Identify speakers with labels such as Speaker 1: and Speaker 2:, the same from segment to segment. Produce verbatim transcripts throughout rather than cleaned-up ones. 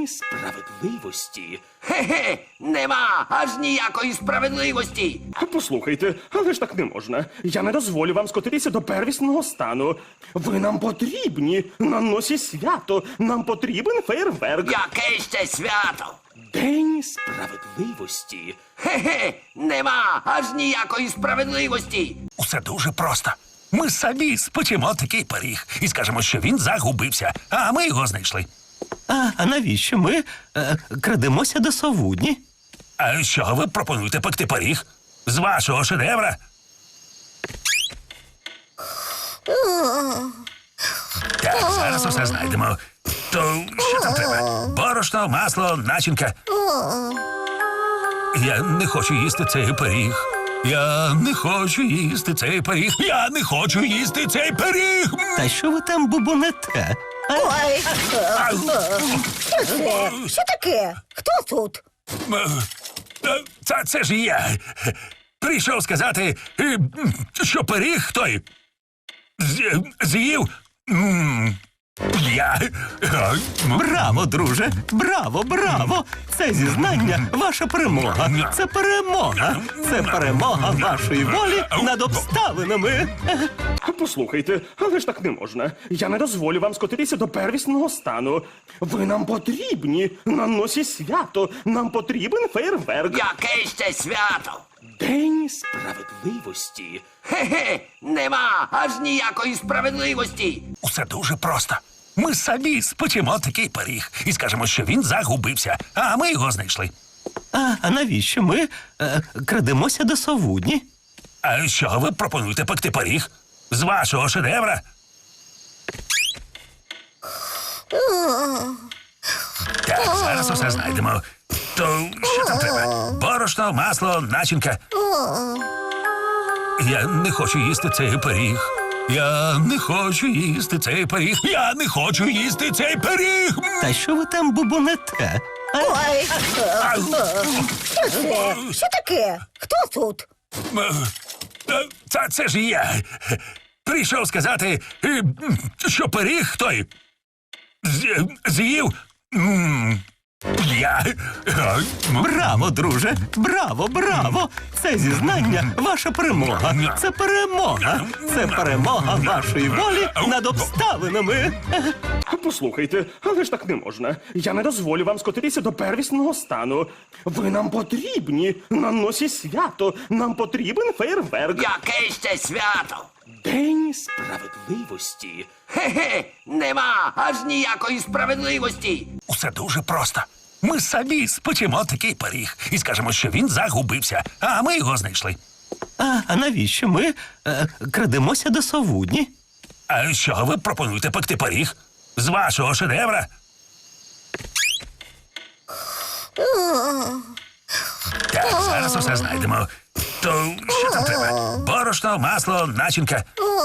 Speaker 1: День справедливості.
Speaker 2: Справедливості? Хе-хе, нема аж ніякої справедливості.
Speaker 1: Послухайте, але ж так не можна. Я не дозволю вам скотитися до первісного стану. Ви нам потрібні. На носі свято. Нам потрібен фейерверк.
Speaker 2: Яке ще свято?
Speaker 1: День
Speaker 2: Справедливості? Хе-хе, нема аж ніякої справедливості.
Speaker 3: Усе дуже просто. Ми самі спечемо такий пиріг і скажемо, що він загубився, а ми його знайшли.
Speaker 4: А, а навіщо ми е, крадемося до совудні?
Speaker 3: А що ви пропонуєте пекти пиріг? З вашого шедевра? Так, зараз усе знайдемо. То що там треба? Борошно, масло, начинка. Я не хочу їсти цей пиріг. Я не хочу їсти цей пиріг. Я не хочу їсти цей пиріг.
Speaker 4: Та що ви там бубонете? А,
Speaker 5: Ой,
Speaker 3: Ау.
Speaker 5: що це? Що таке? Хто тут?
Speaker 3: Е, Це, це ж я. Прийшов сказати, е, що пиріг той з- з'їв. м, Я. Е,
Speaker 4: браво, друже! Браво, браво! Це зізнання ваша перемога. Це перемога. Це перемога вашої волі над обставинами.
Speaker 1: Послухайте, але ж так не можна. Я не дозволю вам скотитися до первісного стану. Ви нам потрібні. На носі свято. Нам потрібен фейерверк.
Speaker 2: Яке ще свято?
Speaker 1: День
Speaker 2: Справедливості? Хе-хе, нема аж ніякої справедливості.
Speaker 3: Усе дуже просто. Ми самі спечемо такий пиріг і скажемо, що він загубився, а ми його знайшли.
Speaker 4: А, а навіщо ми е, крадемося до совудні?
Speaker 3: А що ви пропонуєте пекти пиріг? З вашого шедевра? Так, зараз усе знайдемо. То що там треба? Борошно, масло, начинка. Я не хочу їсти цей пиріг. Я не хочу їсти цей пиріг. Я не хочу їсти цей пиріг.
Speaker 4: Та що ви там бубонете? А,
Speaker 5: Ой,
Speaker 3: Ау.
Speaker 5: що це? Що таке? Хто тут?
Speaker 3: Е, Це, це ж я. Прийшов сказати, е, що пиріг той з- з'їв. м, Я. Е,
Speaker 4: браво, друже! Браво, браво! Це зізнання ваша перемога. Це перемога. Це перемога вашої волі над обставинами.
Speaker 1: Послухайте, але ж так не можна. Я не дозволю вам скотитися до первісного стану. Ви нам потрібні. На носі свято. Нам потрібен фейерверк.
Speaker 2: Яке ще свято?
Speaker 1: День
Speaker 2: Справедливості? Хе-хе, нема аж ніякої справедливості.
Speaker 3: Усе дуже просто. Ми самі спечемо такий пиріг і скажемо, що він загубився, а ми його знайшли.
Speaker 4: А, а навіщо ми е, крадемося до совудні?
Speaker 3: А що ви пропонуєте пекти пиріг? З вашого шедевра? Так, зараз усе знайдемо. То що там треба? Борошно, масло, начинка.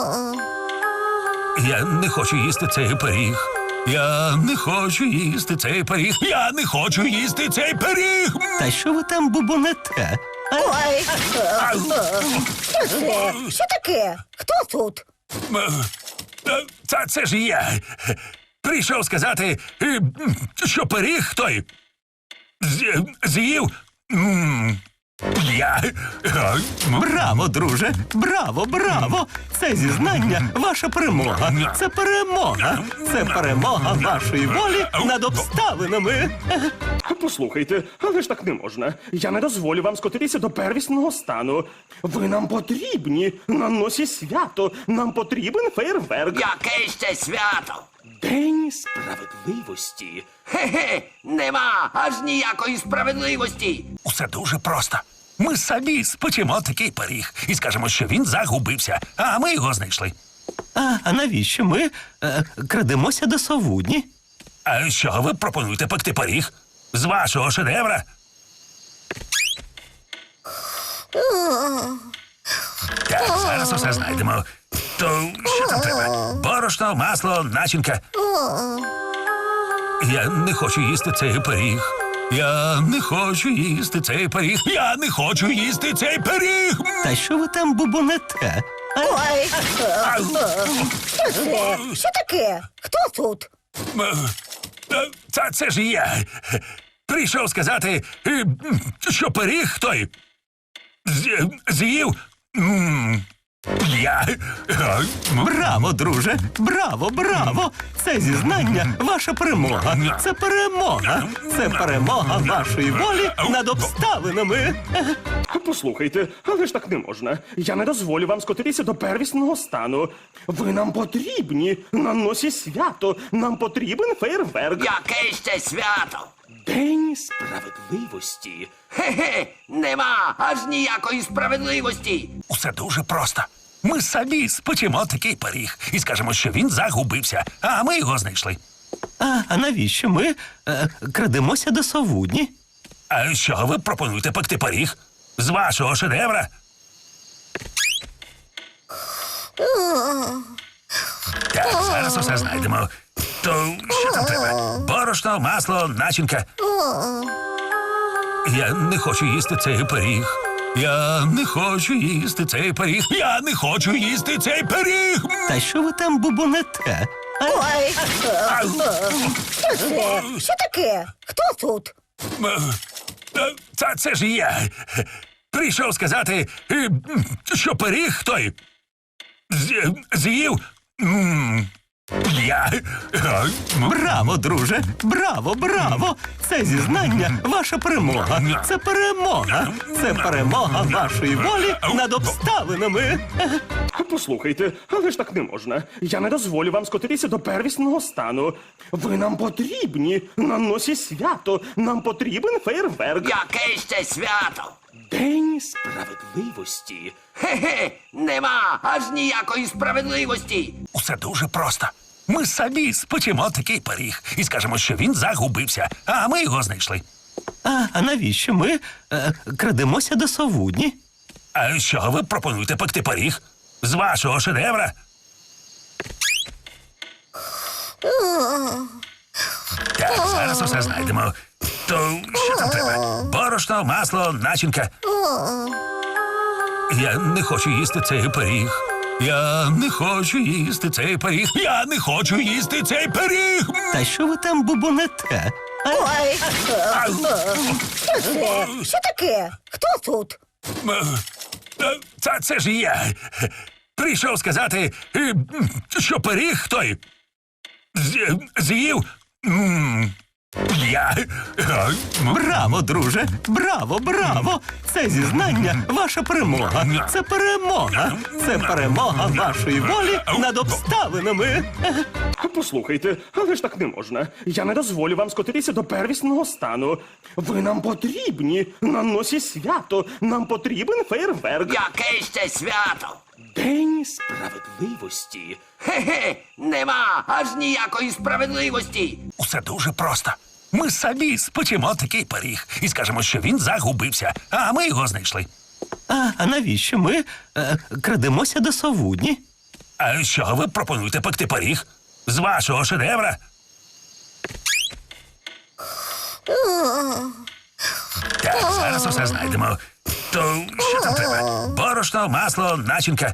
Speaker 3: Я не хочу їсти цей пиріг. Я не хочу їсти цей пиріг. Я не хочу їсти цей пиріг.
Speaker 4: Та що ви там бубонете? А,
Speaker 5: Ой,
Speaker 3: Ау.
Speaker 5: що це? Що таке? Хто тут?
Speaker 3: Е, Це, це ж я. Прийшов сказати, е, що пиріг той з- з'їв. м, Я. Е,
Speaker 4: браво, друже! Браво, браво! Це зізнання ваша перемога. Це перемога. Це перемога вашої волі над обставинами.
Speaker 1: Послухайте, але ж так не можна. Я не дозволю вам скотитися до первісного стану. Ви нам потрібні. На носі свято. Нам потрібен фейерверк.
Speaker 2: Яке ще свято?
Speaker 1: День
Speaker 2: Справедливості? Хе-хе, нема аж ніякої справедливості.
Speaker 3: Усе дуже просто. Ми самі спечемо такий пиріг і скажемо, що він загубився, а ми його знайшли.
Speaker 4: А, а навіщо ми е, крадемося до совудні?
Speaker 3: А що ви пропонуєте пекти пиріг? З вашого шедевра? Так, зараз усе знайдемо. То що там треба? Борошно, масло, начинка. Я не хочу їсти цей пиріг. Я не хочу їсти цей пиріг. Я не хочу їсти цей пиріг.
Speaker 4: Та що ви там бубонете? А,
Speaker 5: Ой,
Speaker 3: Ау.
Speaker 5: що це? Що таке? Хто тут?
Speaker 3: Е, Е, Це, це ж я. Прийшов сказати, е, що пиріг той з- з'їв. м, Я. Е, м,
Speaker 4: Браво, друже! Браво, браво! Це зізнання ваша перемога. Це перемога. Це перемога вашої волі над обставинами.
Speaker 1: Послухайте, але ж так не можна. Я не дозволю вам скотитися до первісного стану. Ви нам потрібні на носі свято. Нам потрібен фейерверк.
Speaker 2: Яке ще свято?
Speaker 1: День сп...
Speaker 2: Справедливості? Хе-хе, нема аж ніякої справедливості.
Speaker 3: Усе дуже просто. Ми самі спечемо такий пиріг і скажемо, що він загубився, а ми його знайшли.
Speaker 4: А, а навіщо ми е, крадемося до совудні?
Speaker 3: А що ви пропонуєте пекти пиріг? З вашого шедевра? Так, зараз усе знайдемо. То що там треба? Борошно, масло, начинка. Я не хочу їсти цей пиріг. Я не хочу їсти цей пиріг. Я не хочу їсти цей пиріг.
Speaker 4: Та що ви там бубонете? А,
Speaker 5: Ой,
Speaker 3: Ау.
Speaker 5: що це? Що таке? Хто тут?
Speaker 3: Е, Це, це ж я. Прийшов сказати, е, що пиріг той з- з'їв. м, Я. Е, м,
Speaker 4: Браво, друже! Браво, браво! Це зізнання ваша перемога. Це перемога. Це перемога вашої волі над обставинами.
Speaker 1: Послухайте, але ж так не можна. Я не дозволю вам скотитися до первісного стану. Ви нам потрібні на носі свято. Нам потрібен фейерверк.
Speaker 2: Яке ще свято?
Speaker 1: День сп...
Speaker 2: Справедливості? Хе-хе, нема аж ніякої справедливості.
Speaker 3: Усе дуже просто. Ми самі спечемо такий пиріг і скажемо, що він загубився, а ми його знайшли.
Speaker 4: А, а навіщо ми е, крадемося до совудні?
Speaker 3: А що ви пропонуєте пекти пиріг? З вашого шедевра? Так, зараз усе знайдемо. То що там треба? Борошно, масло, начинка. Я не хочу їсти цей пиріг. Я не хочу їсти цей пиріг. Я не хочу їсти цей пиріг.
Speaker 4: Та що ви там бубонете? А,
Speaker 5: Ой,
Speaker 3: Ау.
Speaker 5: що це? Що таке? Хто тут?
Speaker 3: Е, Це, це ж я. Прийшов сказати, е, що пиріг той з- з'їв. м, Я. Е, м,
Speaker 4: Браво, друже! Браво, браво! Це зізнання ваша перемога. Це перемога. Це перемога вашої волі над обставинами.
Speaker 1: Послухайте, але ж так не можна. Я не дозволю вам скотитися до первісного стану. Ви нам потрібні на носі свято. Нам потрібен фейерверк.
Speaker 2: Яке ще свято?
Speaker 1: День сп...
Speaker 2: Справедливості? Хе-хе, нема аж ніякої справедливості.
Speaker 3: Усе дуже просто. Ми самі спечемо такий пиріг і скажемо, що він загубився, а ми його знайшли.
Speaker 4: А, а навіщо ми е, крадемося до совудні?
Speaker 3: А що ви пропонуєте пекти пиріг? З вашого шедевра? Так, зараз усе знайдемо. То що там треба? Борошно, масло, начинка.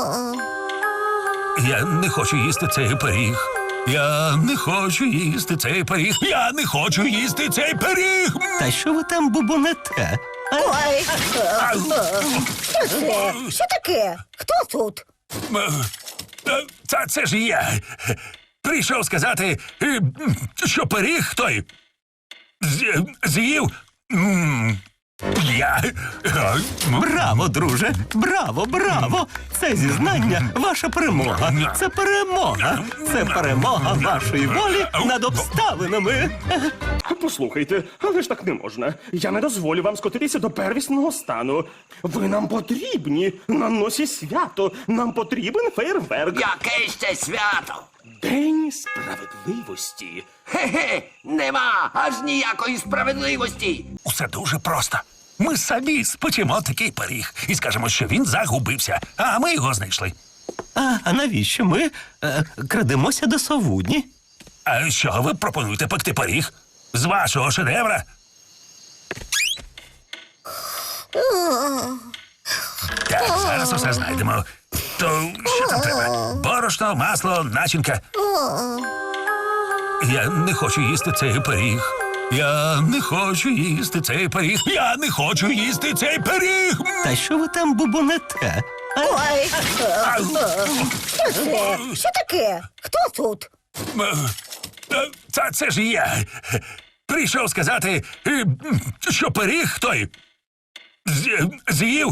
Speaker 3: Я не хочу їсти цей пиріг. Я не хочу їсти цей пиріг. Я не хочу їсти цей пиріг.
Speaker 4: Та що ви там бубонете? А,
Speaker 5: Ой,
Speaker 3: Ау.
Speaker 5: що це? Що таке? Хто тут?
Speaker 3: Е, Це, це ж я. Прийшов сказати, е, що пиріг той з- з'їв. м, Я. Е, м,
Speaker 4: Браво, друже! Браво, браво! Це зізнання ваша перемога. Це перемога. Це перемога вашої волі над обставинами.
Speaker 1: Послухайте, але ж так не можна. Я не дозволю вам скотитися до первісного стану. Ви нам потрібні на носі свято. Нам потрібен фейерверк.
Speaker 2: Яке ще свято?
Speaker 1: День сп...
Speaker 2: Справедливості? Хе-хе, нема аж ніякої справедливості.
Speaker 3: Усе дуже просто. Ми самі спечемо такий пиріг і скажемо, що він загубився, а ми його знайшли.
Speaker 4: А, а навіщо ми е, крадемося до совудні?
Speaker 3: А що ви пропонуєте пекти пиріг? З вашого шедевра? Так, зараз усе знайдемо. То що там треба? Борошно, масло, начинка. Я не хочу їсти цей пиріг. Я не хочу їсти цей пиріг. Я не хочу їсти цей пиріг.
Speaker 4: Та що ви там бубонете? А?
Speaker 5: Ой, що це? Що таке? Хто тут?
Speaker 3: Е, Це, це ж я. Прийшов сказати, е, що пиріг той з- з'їв.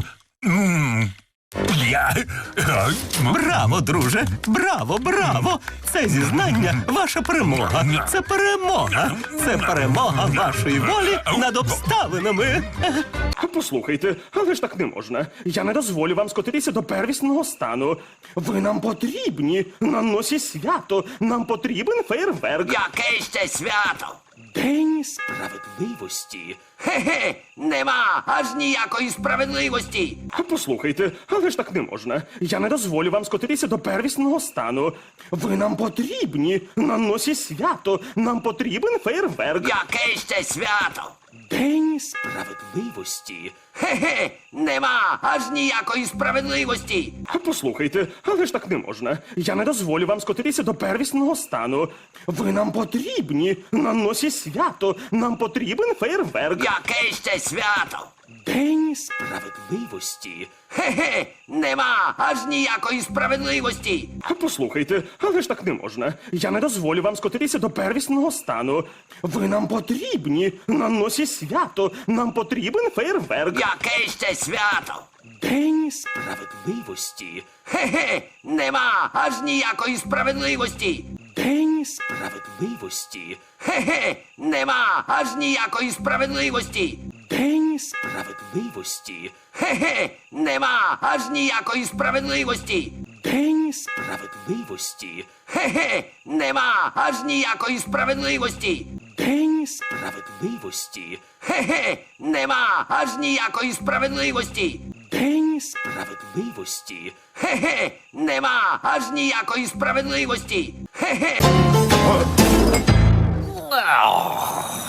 Speaker 3: м, Я. е, м,
Speaker 4: Браво, друже! Браво, браво! Це зізнання ваша перемога. Це перемога. Це перемога вашої волі над обставинами.
Speaker 1: Послухайте, але ж так не можна. Я не дозволю вам скотитися до первісного стану. Ви нам потрібні на носі свято. Нам потрібен фейерверк.
Speaker 2: Яке ще свято?
Speaker 1: День сп...
Speaker 2: Справедливості? Хе-хе, нема аж ніякої справедливості.
Speaker 1: Послухайте, але ж так не можна. Я не дозволю вам скотитися до первісного стану. Ви нам потрібні на носі свято. Нам потрібен фейерверк.
Speaker 2: Яке ще свято?
Speaker 1: День сп...
Speaker 2: Справедливості? Хе-хе, нема аж ніякої справедливості.
Speaker 1: Послухайте, але ж так не можна. Я не дозволю вам скотитися до первісного стану. Ви нам потрібні на носі свято. Нам потрібен фейерверк.
Speaker 2: Яке ще свято?
Speaker 1: День сп...
Speaker 2: Справедливості? Хе-хе, нема аж ніякої справедливості.
Speaker 1: Послухайте, але ж так не можна. Я не дозволю вам скотитися до первісного стану. Ви нам потрібні на носі свято. Нам потрібен фейерверк.
Speaker 2: Яке ще свято?
Speaker 1: День сп...
Speaker 2: Справедливості? Хе-хе, нема аж ніякої справедливості.
Speaker 1: День сп...
Speaker 2: Справедливості? Хе-хе, нема аж ніякої справедливості.
Speaker 1: День сп...
Speaker 2: Справедливості? Хе-хе, нема аж ніякої справедливості.
Speaker 1: День сп...
Speaker 2: Справедливості? Хе-хе, нема аж ніякої справедливості.
Speaker 1: День сп...
Speaker 2: Справедливості? Хе-хе, нема аж ніякої справедливості.
Speaker 1: День сп...
Speaker 2: Справедливості? Хе-хе, нема аж ніякої справедливості. Хе-хе.